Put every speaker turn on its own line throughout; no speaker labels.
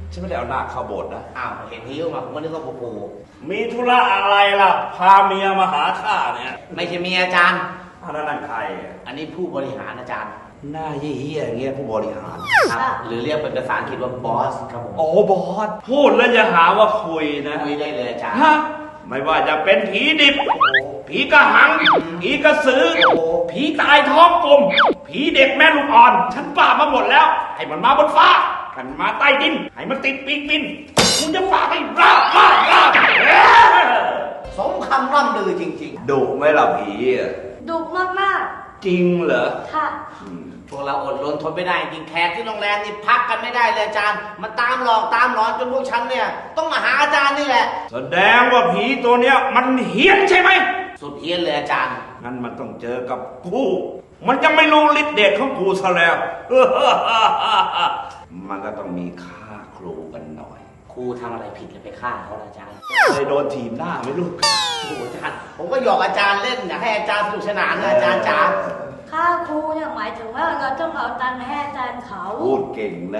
ฉันไม่ได้เอาหน้าเข้าโบสถ์นะ
อ้าวเห็นหิ้วมาผมก็นึกว่าปู่
มีธุระอะไรล่ะ พาเมียมาหาข้าเนี่ย
ไม่ใช่เมียอาจารย์
แล้วนั่นใครอะ
อันนี้ผู้บริหารอาจารย์
หน้าเหี้ยๆอย่างเงี้ยผู้บริหาร
ครับหรือเรียกเป็นภาษาอังกฤษว่าบอสครับผม
โอ้บอสพูดแล้วอย่าหาว่าคุยนะ
คุยได้เลยอาจารย์
ฮะไม่ว่าจะเป็นผีดิบ ผีกระหัง ผีกระสือ ผีตายท้องกลม ผีเด็กแม่ลูกอ่อน ฉันปราบมาหมดแล้ว ให้มันมาบนฟ้าให้มันมาใต้ดิน ให้มันติดปีกบินกูจะปราบให้ราบ
สมคำร่ำลือจริง
ดุไหมล่ะผีอะ
ดุมาก
จริงเหรอ
ๆ ค่ะ
ๆ พวกเราอดรนทนไม่ได้จริงแขกที่โรงแรมนี่พักกันไม่ได้เลยอาจารย์ มันตามหลอกตามหลอนจนพวกฉันเนี่ยต้องมาหาอาจารย์นี่แหละ
แสดงว่าผีตัวเนี้ยมันเฮี้ยนใช่ไหม
สุดเฮี้ยนเลยอาจารย์
งั้นมันต้องเจอกับกูมันจะไม่รู้ฤทธิ์เดชของกูซะแล้ว มันก็ต้องมีค่าครูกันหน่อย
ครูทำอะไรผิดเลยไปฆ่าเขาล่ะอาจารย์
เคยโดนถีบหน้าไหมลูก
โอ้โหอาจารย์ ผมก็หยอกอาจารย์เล่นอยากให้อาจารย์สนุกสนานนะอาจารย์จ๋า
ค่าครูเนี่ยหมายถึงว่าเราต้องเอาตังค์ให้อาจารย์เขา
พูดเก่งนะ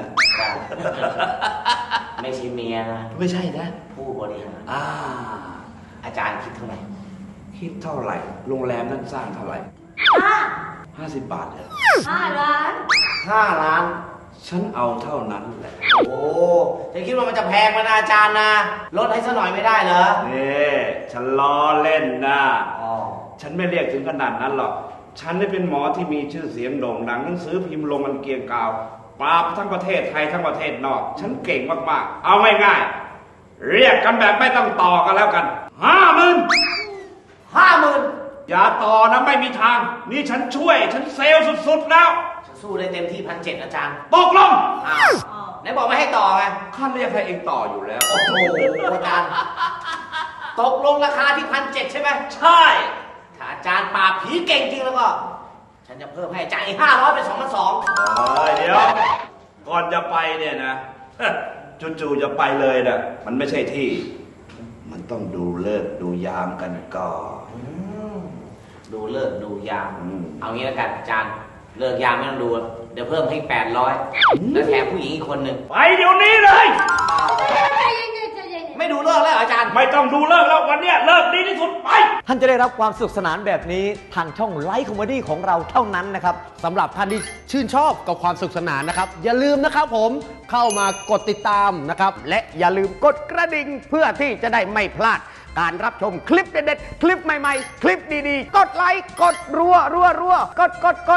ไม่ใช่เมียนะ
ไม่ใช่นะ
ผู้บริหาร
อา
จารย์คิดเท่าไหร่
คิดเท่าไหร่ โรงแรมนั้นสร้างเท่าไหร่
ห้า
50 บาทเหรอ
5 ล้าน
5 ล้าน
ฉันเอาเท่านั้นแหละ
โอ้จะคิดว่ามันจะแพงมานะอาจารย์นะลดให้สักหน่อยไม่ได้เหรอ
นี่ฉันล้อเล่นนะ
อ๋อ
ฉันไม่เรียกถึงขนาดนั้นหรอก ฉันได้เป็นหมอที่มีชื่อเสียงโด่งดังหนังสือพิมพ์ลงมันเกรียงกาวปราบทั้งประเทศไทยทั้งประเทศนอก ฉันเก่งมากๆ เอาง่ายๆเรียกกันแบบไม่ต้องต่อกันแล้วกัน 50,000
50,000
อย่าต่อนะไม่มีทาง นี่ฉันช่วย ฉันเซลล์สุดๆแล้ว
ฉันสู้ได้เต็มที่1,700อาจารย์
ตกลง
อ้าวไหนบอกไม่ให้ต่อไง
ข้าเรียกให้เองต่ออยู่แล้ว
โอ้โหอาจารย์ ตกลงราคาที่1,700ใช่ไหม
ใช่
ถ้าอาจารย์ปราบผีเก่งจริงแล้วก็ ฉันจะเพิ่มให้อาจารย์อีก500เป็น2,200
เดี๋ยว ก่อนจะไปเนี่ยนะ จู่ๆจะไปเลยนะมันไม่ใช่ที่ มันต้องดูเลิกษ์ดูยามกันก่อน
ดูเลิกดูยาม
อืม
เอางี้แล้วกันอาจารย์ เลิกยามไม่ต้องดู เดี๋ยวเพิ่มให้800แล้วแถมผู้หญิงอีกคนหนึ่ง
ไปเดี๋ยวนี้เลย
ใจเย็นๆใจเย็น
ไม่ดูเลิกแล้วเหรออาจารย์
ไม่ต้องดูเลิกแล้ววันเนี้ยเลิกดีที่สุดไป
ท่านจะได้รับความสนุกสนานแบบนี้ทางช่องไลฟ์คอมเมดี้ของเราเท่านั้นนะครับ
สำหรับท่านที่ชื่นชอบกับความสนุกสนานนะครับ อย่าลืมนะครับผมเข้ามากดติดตามนะครับ และอย่าลืมกดกระดิ่งเพื่อที่จะได้ไม่พลาด การรับชมคลิปเด็ดๆ คลิปใหม่ๆ คลิปดีๆ กดไลค์ กดรัวๆ กด